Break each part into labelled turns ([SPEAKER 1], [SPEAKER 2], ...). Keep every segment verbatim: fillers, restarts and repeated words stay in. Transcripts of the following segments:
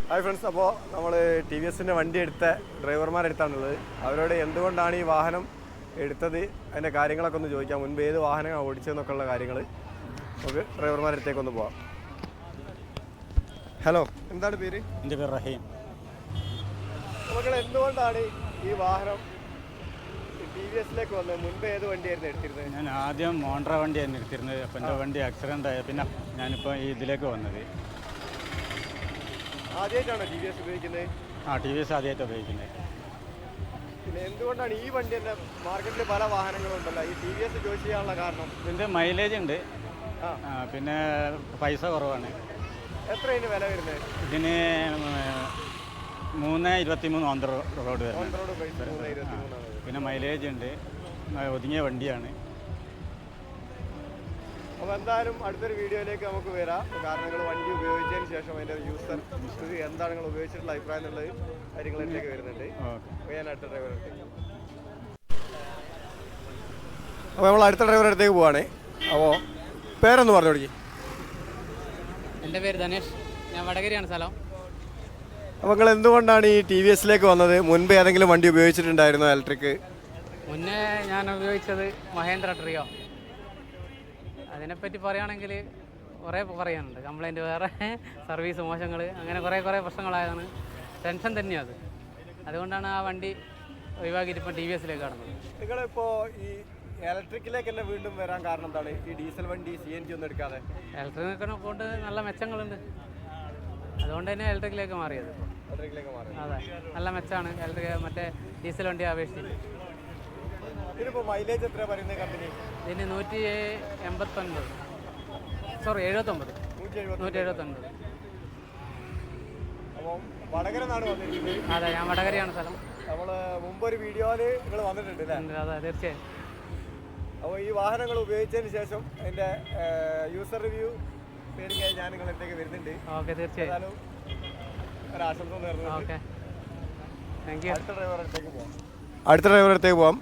[SPEAKER 1] Hi friends, അപ്പോൾ നമ്മൾ T V എസിൻ്റെ വണ്ടി എടുത്ത ഡ്രൈവർമാരെടുത്താണുള്ളത്. അവരോട് എന്തുകൊണ്ടാണ് ഈ വാഹനം എടുത്തത്, അതിൻ്റെ കാര്യങ്ങളൊക്കെ ഒന്ന് ചോദിക്കാം. മുൻപ് ഏത് വാഹനമാണ് ഓടിച്ചതെന്നൊക്കെ ഉള്ള കാര്യങ്ങൾ നമുക്ക് ഡ്രൈവർമാരടുത്തേക്കൊന്ന് പോവാം. ഹലോ, എന്താണ് പേര്?
[SPEAKER 2] എൻ്റെ പേര് റഹീം.
[SPEAKER 1] നമ്മൾ എന്തുകൊണ്ടാണ് ഈ വാഹനം ടി വി എസിലേക്ക് വന്നത്? മുൻപ് ഏത് വണ്ടിയായിരുന്നു എടുത്തിരുന്നത്?
[SPEAKER 2] ഞാൻ ആദ്യം മോണ്ട്ര വണ്ടിയായിരുന്നു എടുത്തിരുന്നത്. അപ്പം എൻ്റെ വണ്ടി ആക്സിഡൻ്റ് ആയ പിന്നെ ഞാനിപ്പോൾ ഈ ഇതിലേക്ക് വന്നത്.
[SPEAKER 1] ആദ്യമായിട്ടാണോ ടി വി എസ് ഉപയോഗിക്കുന്നത്?
[SPEAKER 2] ആ, ടി വി എസ് ആദ്യമായിട്ട് ഉപയോഗിക്കുന്നത്.
[SPEAKER 1] പിന്നെ എന്തുകൊണ്ടാണ് ഈ വണ്ടി തന്നെ? മാർക്കറ്റിൽ പല വാഹനങ്ങളുണ്ടല്ലോ, ഈ ടി വി എസ് ചോയ്സ് ചെയ്യാനുള്ള കാരണം?
[SPEAKER 2] ഇതിൻ്റെ മൈലേജ് ഉണ്ട്, പിന്നെ പൈസ കുറവാണ്.
[SPEAKER 1] എത്ര ഇതിന് വില വരുന്നത്?
[SPEAKER 2] ഇതിന് മൂന്ന് ഇരുപത്തി മൂന്ന് ഓൺ റോഡ് വരുന്നത്. പിന്നെ മൈലേജ് ഉണ്ട്, ഒതുങ്ങിയ വണ്ടിയാണ്.
[SPEAKER 1] അപ്പോൾ എന്തായാലും അടുത്തൊരു വീഡിയോയിലേക്ക് നമുക്ക് വരാം. കാരണം നിങ്ങൾ വണ്ടി ഉപയോഗിച്ചതിന് ശേഷം അതിൻ്റെ യൂസർ ഇത് എന്താണ് നിങ്ങൾ ഉപയോഗിച്ചിട്ടുള്ള അഭിപ്രായം എന്നുള്ളത് കാര്യങ്ങളിലേക്ക് വരുന്നുണ്ട്. അപ്പോൾ ഞാൻ അടുത്ത ഡ്രൈവറടുത്തേക്ക്. അപ്പോൾ നമ്മൾ അടുത്ത ഡ്രൈവറടുത്തേക്ക് പോവാണ്. അപ്പോൾ പേരൊന്ന് പറഞ്ഞു കൊടുക്കി.
[SPEAKER 3] എൻ്റെ പേര് ധനേഷ്, ഞാൻ വടകരയാണ് സ്ഥലം.
[SPEAKER 1] അപ്പോൾ നിങ്ങൾ എന്തുകൊണ്ടാണ് ഈ ടി വി എസിലേക്ക് വന്നത്? മുൻപ് ഏതെങ്കിലും വണ്ടി ഉപയോഗിച്ചിട്ടുണ്ടായിരുന്നോ ഇലക്ട്രിക്?
[SPEAKER 3] മുന്നേ ഞാൻ ഉപയോഗിച്ചത് മഹേന്ദ്ര ട്രിയോ. അതിനെപ്പറ്റി പറയുകയാണെങ്കിൽ കുറേ പറയാനുണ്ട്. കംപ്ലൈൻറ്റ് വേറെ, സർവീസ് മോശങ്ങൾ, അങ്ങനെ കുറേ കുറേ പ്രശ്നങ്ങളായതാണ്. ടെൻഷൻ തന്നെയാണ് അത്. അതുകൊണ്ടാണ് ആ വണ്ടി ഒഴിവാക്കിയിട്ട് ഇപ്പോൾ ടി വി എസിലേക്ക് കടന്നത്.
[SPEAKER 1] നിങ്ങളിപ്പോൾ ഈ ഇലക്ട്രിക്കിലേക്ക് തന്നെ വീണ്ടും വരാൻ കാരണം എന്താണ്? ഈ ഡീസൽ വണ്ടി സി എൻ ജി ഒന്നും എടുക്കാതെ
[SPEAKER 3] ഇലക്ട്രിക്കിനെ കൊണ്ട് നല്ല മെച്ചങ്ങളുണ്ട്, അതുകൊണ്ട് തന്നെ ഇലക്ട്രിക്കിലേക്ക് മാറിയത്.
[SPEAKER 1] ഇലക്ട്രിക്കിലേക്ക് മാറി,
[SPEAKER 3] അതെ, നല്ല മെച്ചമാണ് ഇലക്ട്രിക് മറ്റേ ഡീസൽ വണ്ടി അപേക്ഷിച്ചിട്ട്.
[SPEAKER 1] ഇതിപ്പോൾ മൈലേജ് എത്ര പറയുന്നത് കമ്പനി?
[SPEAKER 3] ഇതിന് നൂറ്റി എൺപത്തൊൻപത് സോറി എഴുപത്തൊമ്പത് നൂറ്റി എഴുപത്തൊൻപത്.
[SPEAKER 1] അപ്പം വടകര നാട് വന്നിരിക്കുന്നത്?
[SPEAKER 3] അതെ, ഞാൻ വടകരയാണ് സ്ഥലം.
[SPEAKER 1] നമ്മൾ മുമ്പൊരു വീഡിയോയിൽ നിങ്ങൾ വന്നിട്ടുണ്ട് അല്ലേ?
[SPEAKER 3] അതെ, തീർച്ചയായും.
[SPEAKER 1] അപ്പോൾ ഈ വാഹനങ്ങൾ ഉപയോഗിച്ചതിന് ശേഷം അതിൻ്റെ യൂസർ റിവ്യൂ പേടിക്കായി ഞാൻ നിങ്ങളടുത്തേക്ക് വരുന്നുണ്ട്.
[SPEAKER 3] ഓക്കെ, തീർച്ചയായും.
[SPEAKER 1] ഒരാശംസ നേർന്നു.
[SPEAKER 3] Okay, thank you.
[SPEAKER 1] അടുത്ത ഡ്രൈവറടുത്തേക്ക് പോവാം. അടുത്ത ഡ്രൈവറടുത്തേക്ക് പോവാം.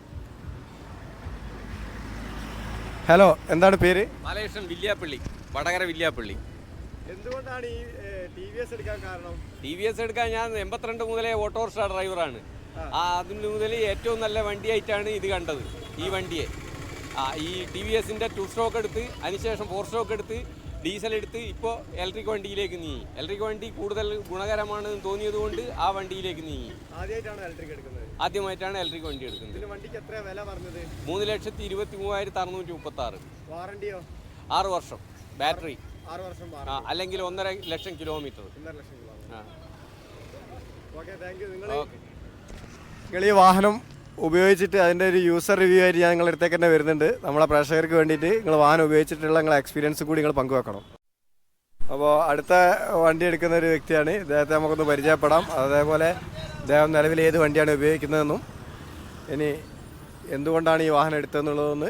[SPEAKER 1] ഹലോ, എന്താണ് പേര്?
[SPEAKER 4] ബാലകൃഷ്ണൻ, വില്യാപ്പള്ളി, വടകര വില്യാപ്പള്ളി.
[SPEAKER 1] എന്തുകൊണ്ടാണ് ഈ ടി വി എസ് എടുക്കാൻ കാരണം?
[SPEAKER 4] ടി വി എസ് എടുക്കാൻ ഞാൻ എൺപത്തിരണ്ട് മുതലേ ഓട്ടോറിക്ഷ ഡ്രൈവറാണ്. ആ അതിന് മുതൽ ഏറ്റവും നല്ല വണ്ടിയായിട്ടാണ് ഇത് കണ്ടത്, ഈ വണ്ടിയെ. ആ ഈ ടി വി എസിൻ്റെ ടു സ്ട്രോക്ക് എടുത്ത് അതിനുശേഷം ഫോർ സ്ട്രോക്ക് എടുത്ത് ഡീസൽ എടുത്ത് ഇപ്പോൾ ഇലക്ട്രിക് വണ്ടിയിലേക്ക് നീങ്ങി. ഇലക്ട്രിക് വണ്ടി കൂടുതൽ ഗുണകരമാണെന്ന് തോന്നിയത് കൊണ്ട് ആ വണ്ടിയിലേക്ക് നീങ്ങി.
[SPEAKER 1] ആദ്യമായിട്ടാണ് ഇലക്ട്രിക് എടുക്കുന്നത്?
[SPEAKER 4] ആദ്യമായിട്ടാണ് ഇലക്ട്രിക് വണ്ടി എടുക്കുന്നത്.
[SPEAKER 1] വണ്ടിക്ക് എത്ര വില പറഞ്ഞത്?
[SPEAKER 4] മൂന്ന് ലക്ഷത്തി ഇരുപത്തി മൂവായിരത്തി അറുന്നൂറ്റി മുപ്പത്തി ആറ്.
[SPEAKER 1] വാറണ്ടിയോ?
[SPEAKER 4] ആറ് വർഷം ബാറ്ററി.
[SPEAKER 1] ആറ് വർഷം
[SPEAKER 4] ആ അല്ലെങ്കിൽ ഒന്നര ലക്ഷം കിലോമീറ്റർ.
[SPEAKER 1] ഒന്നര ലക്ഷം കിലോമീറ്റർ.
[SPEAKER 4] ആ,
[SPEAKER 1] ഓക്കെ, താങ്ക് യു. നിങ്ങൾ നിങ്ങൾ ഈ വാഹനം ഉപയോഗിച്ചിട്ട് അതിൻ്റെ ഒരു യൂസർ റിവ്യൂ ആയിട്ട് ഞാൻ നിങ്ങളുടെ അടുത്തേക്ക് തന്നെ വരുന്നുണ്ട്. നമ്മളെ പ്രേക്ഷകർക്ക് വേണ്ടിയിട്ട് നിങ്ങൾ വാഹനം ഉപയോഗിച്ചിട്ടുള്ള നിങ്ങളെ എക്സ്പീരിയൻസ് കൂടി നിങ്ങൾ പങ്കുവെക്കണം. അപ്പോൾ അടുത്ത വണ്ടി എടുക്കുന്ന ഒരു വ്യക്തിയാണ്, ഇദ്ദേഹത്തെ നമുക്കൊന്ന് പരിചയപ്പെടാം. അതേപോലെ ഇദ്ദേഹം നിലവിൽ ഏത് വണ്ടിയാണ് ഉപയോഗിക്കുന്നതെന്നും ഇനി എന്തുകൊണ്ടാണ് ഈ വാഹനം എടുത്തതെന്നുള്ളതൊന്ന്.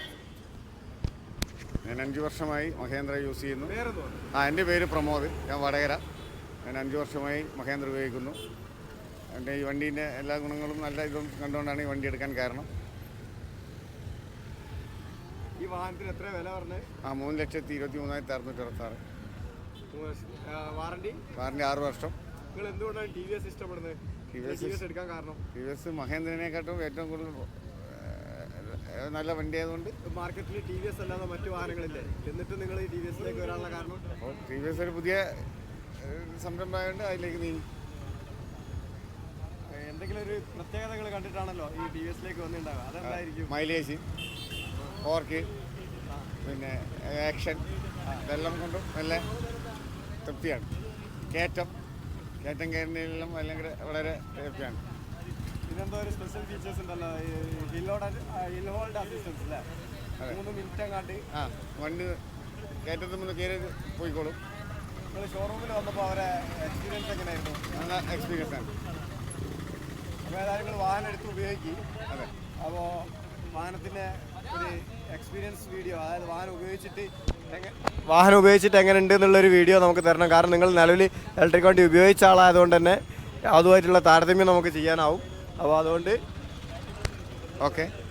[SPEAKER 5] ഞാൻ അഞ്ച് വർഷമായി മഹേന്ദ്ര യൂസ് ചെയ്യുന്നു. ആ, എൻ്റെ പേര് പ്രമോദ്, ഞാൻ വടകര. ഞാൻ അഞ്ച് വർഷമായി മഹേന്ദ്ര ഉപയോഗിക്കുന്നു. എൻ്റെ ഈ വണ്ടീൻ്റെ എല്ലാ ഗുണങ്ങളും നല്ല ഇതും കണ്ടുകൊണ്ടാണ് ഈ വണ്ടി എടുക്കാൻ കാരണം.
[SPEAKER 1] ഈ വാഹനത്തിന് എത്ര വില പറഞ്ഞത്?
[SPEAKER 5] ആ, മൂന്ന് ലക്ഷത്തി ഇരുപത്തി മൂന്നായിരത്തി അറുന്നൂറ്റി അറുപത്താറ്.
[SPEAKER 1] വാറണ്ടി?
[SPEAKER 5] വാറണ്ടി ആറ് വർഷം.
[SPEAKER 1] നിങ്ങൾ എന്തുകൊണ്ടാണ് ടി വി എസ് ഇഷ്ടപ്പെടുന്നത്? ടി വി എസ് എടുക്കാൻ കാരണം?
[SPEAKER 5] ടി വി എസ് മഹേന്ദ്രനെക്കാട്ടും ഏറ്റവും കൂടുതൽ നല്ല വണ്ടി ആയതുകൊണ്ട്.
[SPEAKER 1] മാർക്കറ്റിൽ ടി വി എസ് അല്ലാതെ മറ്റു വാഹനങ്ങളില്ലേ, എന്നിട്ട് നിങ്ങൾ ഈ ടി വി എസിലേക്ക് വരാനുള്ള കാരണം?
[SPEAKER 5] അപ്പോൾ ടി വി എസ് ഒരു പുതിയ സംരംഭമായതുകൊണ്ട് അതിലേക്ക് നീങ്ങി.
[SPEAKER 1] എന്തെങ്കിലും ഒരു പ്രത്യേകതകൾ കണ്ടിട്ടാണല്ലോ ഈ ടി വി എസിലേക്ക് വന്നിട്ടുണ്ടാവുക, അതെന്തായിരിക്കും?
[SPEAKER 5] മൈലേജ്, ഓർക്ക്, പിന്നെ ആക്ഷൻ, ഇതെല്ലാം കൊണ്ടും നല്ല തൃപ്തിയാണ്. കയറ്റം കയറ്റം കയറുന്നതിലെല്ലാം അല്ലെങ്കിൽ വളരെ തൃപ്തിയാണ്.
[SPEAKER 1] ഇതെന്തോ ഒരു സ്പെഷ്യൽ ഫീച്ചേഴ്സ് ഉണ്ടല്ലോ, ഹിൽ ഹിൽ ഹോൾഡ് അസിസ്റ്റൻസ് അല്ലേ? മൂന്ന് മിനിറ്റ് അങ്ങാണ്ട്
[SPEAKER 5] ആ വണ്ടി കയറ്റത്തിൽ നിന്ന് കയറി പോയിക്കോളും.
[SPEAKER 1] നിങ്ങൾ ഷോറൂമിൽ വന്നപ്പോൾ അവരെ എക്സ്പീരിയൻസ് എങ്ങനെയായിരുന്നു?
[SPEAKER 5] നല്ല എക്സ്പീരിയൻസ് ആണ്.
[SPEAKER 1] അപ്പോൾ ഏതായാലും നിങ്ങൾ വാഹനം എടുത്ത് ഉപയോഗിക്കും.
[SPEAKER 5] അതെ.
[SPEAKER 1] അപ്പോൾ വാഹനത്തിൻ്റെ ഒരു എക്സ്പീരിയൻസ് വീഡിയോ, അതായത് വാഹനം ഉപയോഗിച്ചിട്ട് വാഹനം ഉപയോഗിച്ചിട്ട് എങ്ങനെ ഉണ്ട് എന്നുള്ളൊരു വീഡിയോ നമുക്ക് തരണം. കാരണം നിങ്ങൾ നിലവിൽ ഇലക്ട്രിക് വണ്ടി ഉപയോഗിച്ച ആളായതുകൊണ്ട് തന്നെ അതുമായിട്ടുള്ള താരതമ്യം നമുക്ക് ചെയ്യാനാവും. അപ്പോൾ അതുകൊണ്ട്
[SPEAKER 5] ഓക്കെ.